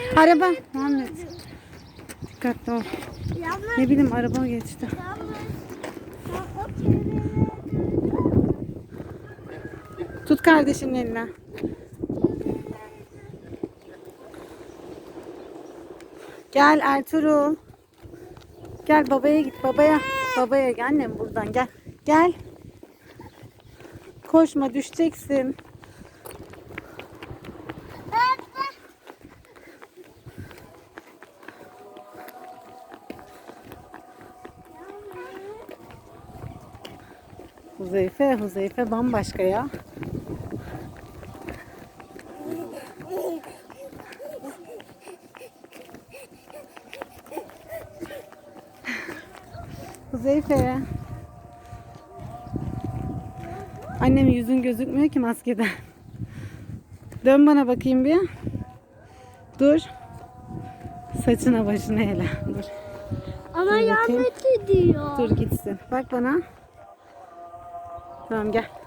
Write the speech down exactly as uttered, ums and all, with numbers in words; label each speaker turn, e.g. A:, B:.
A: Araba. Muhammed. Dikkatli ol. Ne bileyim araba geçti. Tut kardeşinin eline. Gel Ertuğrul. Gel babaya git babaya. Babaya gel annem buradan gel. Gel. Koşma düşeceksin. Huzeyfe, Huzeyfe bambaşka ya. Huzeyfe. Annem yüzün gözükmüyor ki maskeden. Dön bana bakayım bir. Dur. Saçına başına hele. Dur.
B: Ama
A: Dur
B: yanlış diyor.
A: Dur gitsin. Bak bana. Tamam gel.